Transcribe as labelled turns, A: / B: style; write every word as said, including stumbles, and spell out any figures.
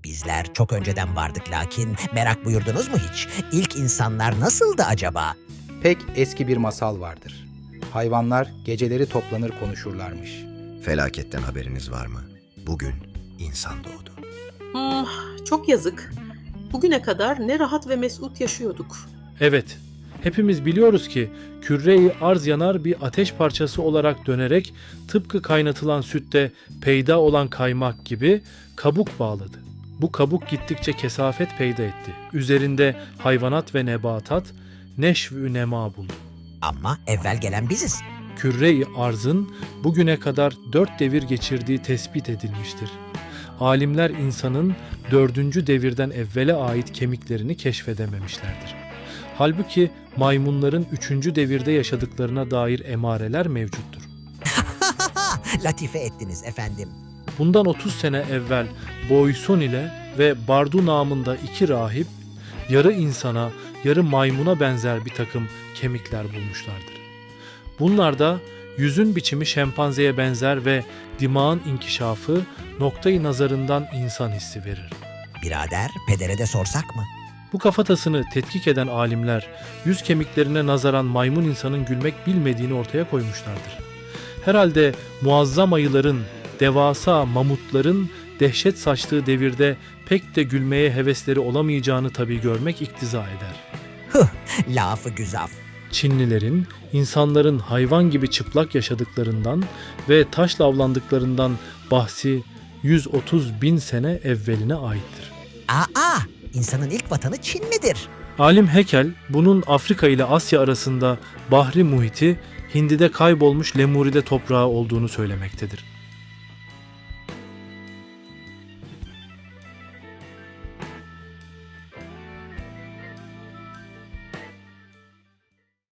A: Bizler çok önceden vardık lakin merak buyurdunuz mu hiç? İlk insanlar nasıldı acaba?
B: Pek eski bir masal vardır. Hayvanlar geceleri toplanır konuşurlarmış.
C: Felaketten haberiniz var mı? Bugün insan doğdu.
D: Hmm, çok yazık. Bugüne kadar ne rahat ve mesut yaşıyorduk.
E: Evet, hepimiz biliyoruz ki küre-i arz yanar bir ateş parçası olarak dönerek tıpkı kaynatılan sütte peyda olan kaymak gibi kabuk bağladı. Bu kabuk gittikçe kesafet peyda etti. Üzerinde hayvanat ve nebatat neşv-ü nema buldu.
A: Ama evvel gelen biziz.
E: Küre-i arzın bugüne kadar dört devir geçirdiği tespit edilmiştir. Alimler insanın dördüncü devirden evvele ait kemiklerini keşfedememişlerdir. Halbuki maymunların üçüncü devirde yaşadıklarına dair emareler mevcuttur.
A: Latife ettiniz efendim.
E: Bundan otuz sene evvel Boyson ile ve Bardu namında iki rahip yarı insana, yarı maymuna benzer bir takım kemikler bulmuşlardır. Bunlarda yüzün biçimi şempanzeye benzer ve dimağın inkişafı noktayı nazarından insan hissi verir.
A: Birader, pedere de sorsak mı?
E: Bu kafatasını tetkik eden alimler yüz kemiklerine nazaran maymun insanın gülmek bilmediğini ortaya koymuşlardır. Herhalde muazzam ayıların, devasa mamutların dehşet saçtığı devirde pek de gülmeye hevesleri olamayacağını tabii görmek iktiza eder.
A: Hıh, lafı güzaf.
E: Çinlilerin insanların hayvan gibi çıplak yaşadıklarından ve taşla avlandıklarından bahsi yüz otuz bin sene evveline aittir.
A: Aa, insanın ilk vatanı Çin midir?
E: Alim Hekel bunun Afrika ile Asya arasında bahri muhiti Hindi'de kaybolmuş Lemuri'de toprağı olduğunu söylemektedir.